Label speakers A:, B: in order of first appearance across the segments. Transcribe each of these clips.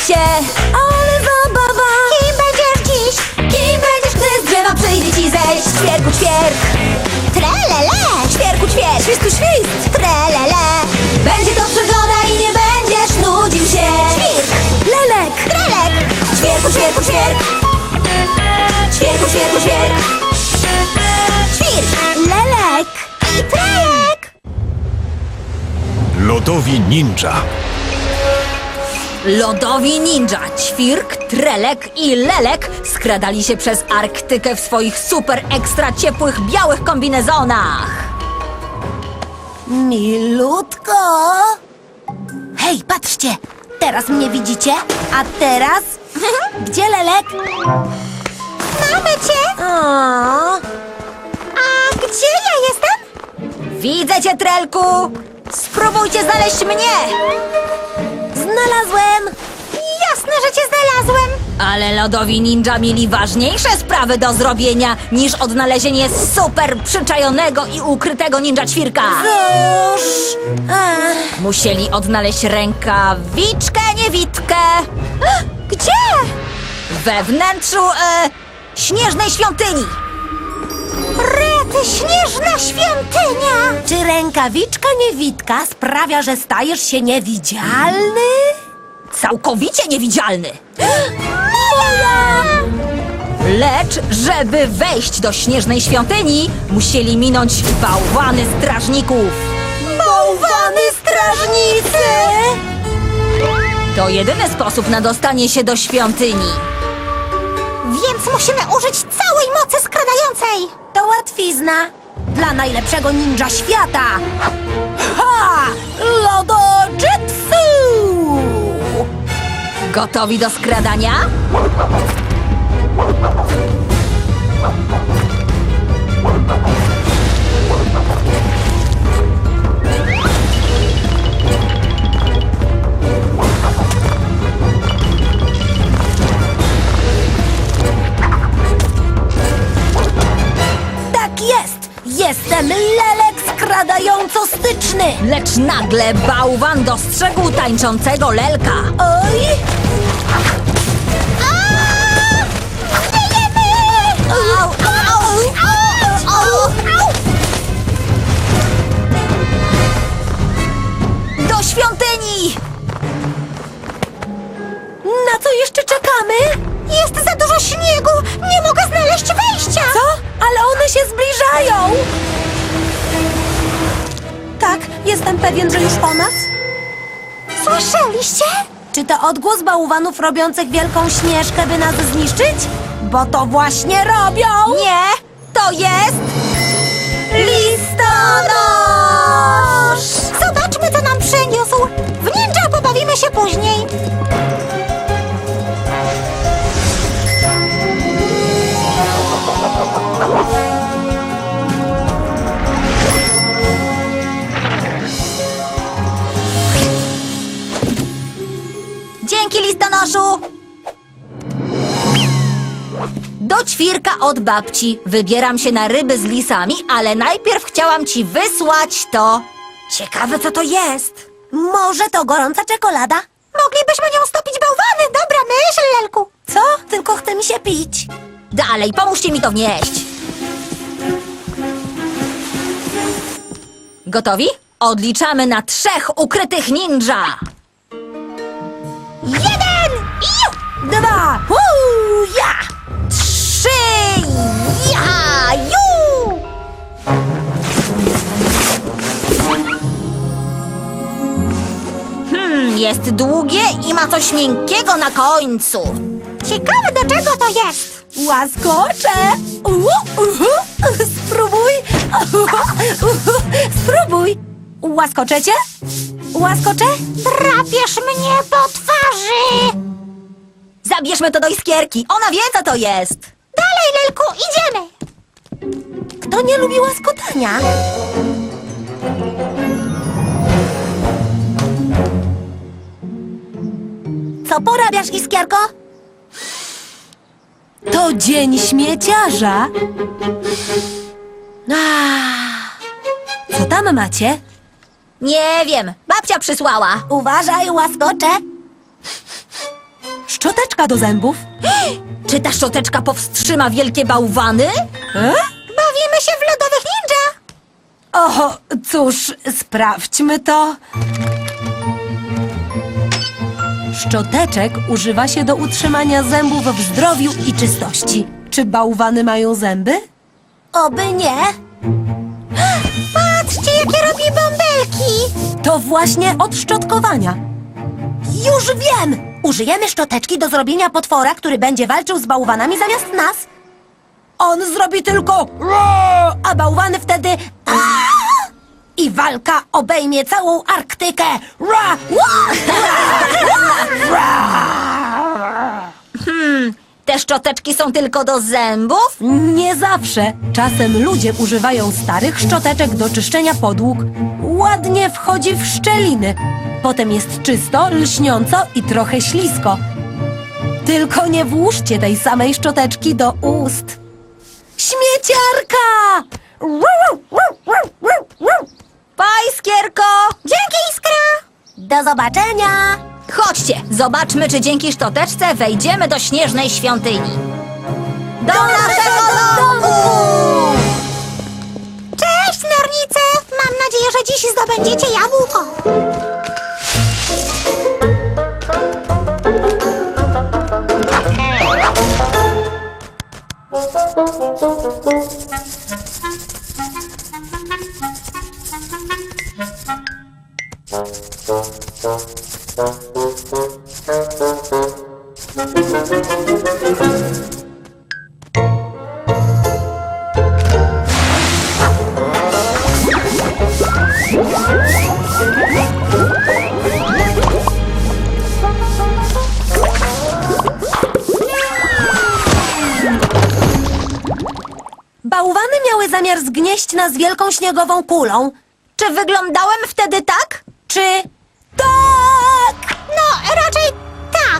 A: się! Ale zabawa!
B: Kim będziesz dziś?
A: Kim będziesz, gdy z drzewa przyjdzie ci zejść? Ćwierku, ćwierk!
B: Trelele!
A: Ćwierku, ćwierk! Świstu, świst!
B: Trelele!
A: Będzie to przygoda i nie będziesz nudził się!
B: Ćwirk!
A: Lelek!
B: Trelek!
A: Ćwierku, ćwierku, ćwierk! Ćwierku, ćwierku, ćwierk!
B: Ćwirk! Lelek! I trelek!
C: Lodowi ninja.
A: Lodowi ninja, Ćwirk, Trelek i Lelek skradali się przez Arktykę w swoich super ekstra ciepłych białych kombinezonach.
B: Milutko! Hej, patrzcie! Teraz mnie widzicie, a teraz... Gdzie Lelek? Mamy cię! A gdzie ja jestem?
A: Widzę cię, Trelku! Spróbujcie znaleźć mnie!
B: Znalazłem! Jasne, że cię znalazłem!
A: Ale lodowi ninja mieli ważniejsze sprawy do zrobienia niż odnalezienie super przyczajonego i ukrytego ninja Ćwirka.
B: Cóż...
A: Musieli odnaleźć rękawiczkę niewidkę
B: Gdzie?
A: we wnętrzu śnieżnej świątyni.
B: Rety, śnieżna świątynia! Czy rękawiczka niewidka sprawia, że stajesz się niewidzialny?
A: Całkowicie niewidzialny.
B: Moja!
A: Lecz, żeby wejść do śnieżnej świątyni, musieli minąć bałwany strażników.
B: Bałwany strażnicy!
A: To jedyny sposób na dostanie się do świątyni.
B: Więc musimy użyć całej mocy skradającej! To łatwizna! Dla najlepszego ninja świata! Ha! Lodojitsu!
A: Gotowi do skradania?
B: Tak jest! Jestem Lelek skradająco-styczny!
A: Lecz nagle bałwan dostrzegł tańczącego lelka.
B: Oj!
A: Au, au, au, au. Do świątyni!
B: Na co jeszcze czekamy? Jest za dużo śniegu! Nie mogę znaleźć wejścia! Co? Ale one się zbliżają! Tak, jestem pewien, że już po nas. Słyszeliście? Czy to odgłos bałwanów robiących wielką śnieżkę, by nas zniszczyć? Bo to właśnie robią!
A: Nie, to jest...
B: Listonosz! Zobaczmy, co nam przyniósł! W ninja pobawimy się później!
A: Dzięki, listonoszu! Do Ćwirka od babci. Wybieram się na ryby z lisami, ale najpierw chciałam ci wysłać to. Ciekawe, co to jest.
B: Może to gorąca czekolada? Moglibyśmy nią stopić bałwany! Dobra myśl, Lelku! Co? Tylko chce mi się pić.
A: Dalej, pomóżcie mi to wnieść. Gotowi? Odliczamy na 3 ukrytych ninja.
B: 1! Iu! 2! Ja!
A: 3! Ja! Ju! Jest długie i ma coś miękkiego na końcu.
B: Ciekawe, do czego to jest? Łaskocze! Spróbuj! Spróbuj! Łaskoczecie? Łaskocze? Trapiesz mnie po twarzy!
A: Zabierzmy to do iskierki. Ona wie, co to jest.
B: Dalej, Lelku, idziemy! Kto nie lubi łaskotania? Co porabiasz, Iskierko? To dzień śmieciarza. Co tam macie?
A: Nie wiem. Babcia przysłała.
B: Uważaj, łaskocze. szczoteczka do zębów.
A: Czy ta szczoteczka powstrzyma wielkie bałwany?
B: Bawimy się w lodowych ninja. O, cóż, sprawdźmy to. Szczoteczek używa się do utrzymania zębów w zdrowiu i czystości. Czy bałwany mają zęby? Oby nie. Patrzcie, jakie robi bąbelki! To właśnie od szczotkowania. Już wiem! Użyjemy szczoteczki do zrobienia potwora, który będzie walczył z bałwanami zamiast nas. On zrobi tylko roar, a bałwany wtedy aaa! I walka obejmie całą Arktykę. Roar,
A: Te szczoteczki są tylko do zębów?
B: Nie zawsze. Czasem ludzie używają starych szczoteczek do czyszczenia podłóg. Ładnie wchodzi w szczeliny. Potem jest czysto, lśniąco i trochę ślisko. Tylko nie włóżcie tej samej szczoteczki do ust. Śmieciarka!
A: Pa, Iskierko!
B: Dzięki, Iskra! Do zobaczenia!
A: Chodźcie, zobaczmy, czy dzięki szczoteczce wejdziemy do śnieżnej świątyni. Do naszego domu!
B: Cześć, nornice! Mam nadzieję, że dziś zdobędziecie jabłko. Bałwany miały zamiar zgnieść nas wielką śniegową kulą.
A: Czy wyglądałem wtedy tak?
B: Czy tak? No, raczej tak.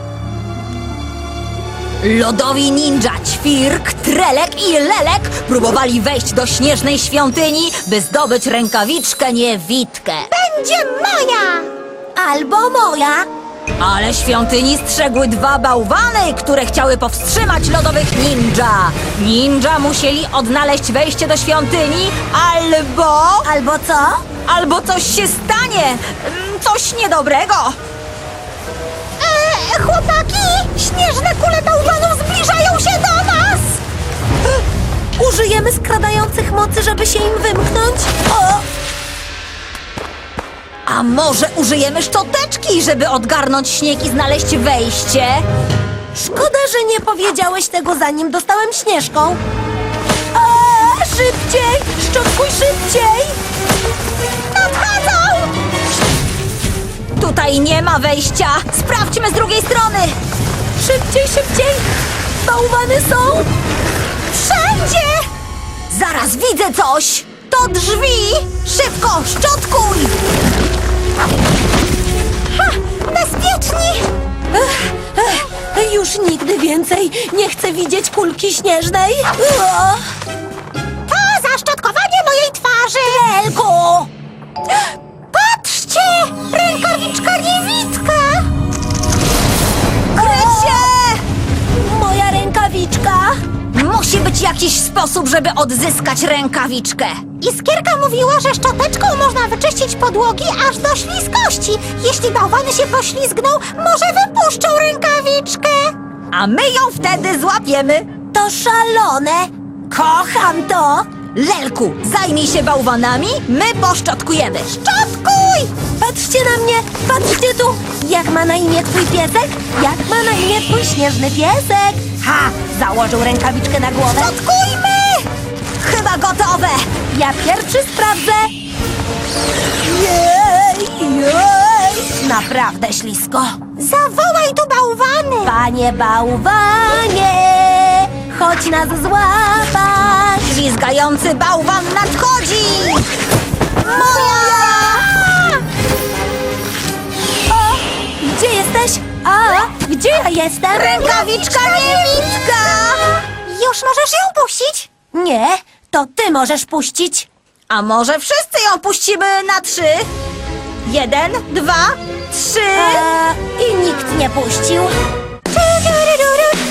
A: Lodowi ninja Ćwirk, Trelek i Lelek próbowali wejść do śnieżnej świątyni, by zdobyć rękawiczkę niewidkę.
B: Będzie moja! Albo moja.
A: Ale świątyni strzegły dwa bałwany, które chciały powstrzymać lodowych ninja. Ninja musieli odnaleźć wejście do świątyni,
B: Albo co?
A: albo coś się stanie. Coś niedobrego.
B: Chłopaki! Śnieżne kule bałwanów zbliżają się do nas! Użyjemy skradających mocy, żeby się im wymknąć? O!
A: A może użyjemy szczoteczki, żeby odgarnąć śnieg i znaleźć wejście?
B: Szkoda, że nie powiedziałeś tego, zanim dostałem śnieżką. Szybciej! Szczotkuj szybciej! Nadchodzą!
A: Tutaj nie ma wejścia. Sprawdźmy z drugiej strony.
B: Szybciej, szybciej! Bałwany są wszędzie!
A: Zaraz widzę coś. To drzwi. Szybko, szczotkuj.
B: Bezpieczni! Już nigdy więcej nie chcę widzieć kulki śnieżnej. To zaszczotkowanie mojej twarzy! Elku! Patrzcie! Rękawiczka niewidka!
A: Krycie!
B: Moja rękawiczka!
A: Musi być jakiś sposób, żeby odzyskać rękawiczkę.
B: Iskierka mówiła, że szczoteczką można wyczyścić podłogi aż do śliskości. Jeśli bałwany się poślizgną, może wypuszczą rękawiczkę.
A: A my ją wtedy złapiemy.
B: To szalone! Kocham to!
A: Lelku, zajmij się bałwanami, my poszczotkujemy.
B: Szczotkuj! Patrzcie na mnie! Patrzcie tu! Jak ma na imię twój piesek? Jak ma na imię twój śnieżny piesek? Ha! Założył rękawiczkę na głowę.
A: Szczotkujmy! Chyba gotowe.
B: Ja pierwszy sprawdzę. Jej! Jej! Naprawdę ślisko. Zawołaj tu bałwany! Panie bałwanie! Chodź nas złapać!
A: Ślizgający bałwan nadchodzi. Moja!
B: O! Gdzie jesteś? A! Gdzie ja jestem?
A: Rękawiczka niewidka!
B: Już możesz ją puścić? Nie, to ty możesz puścić.
A: A może wszyscy ją puścimy na 3? 1, 2, 3.
B: I nikt nie puścił. Tu, tu, ru, ru, ru.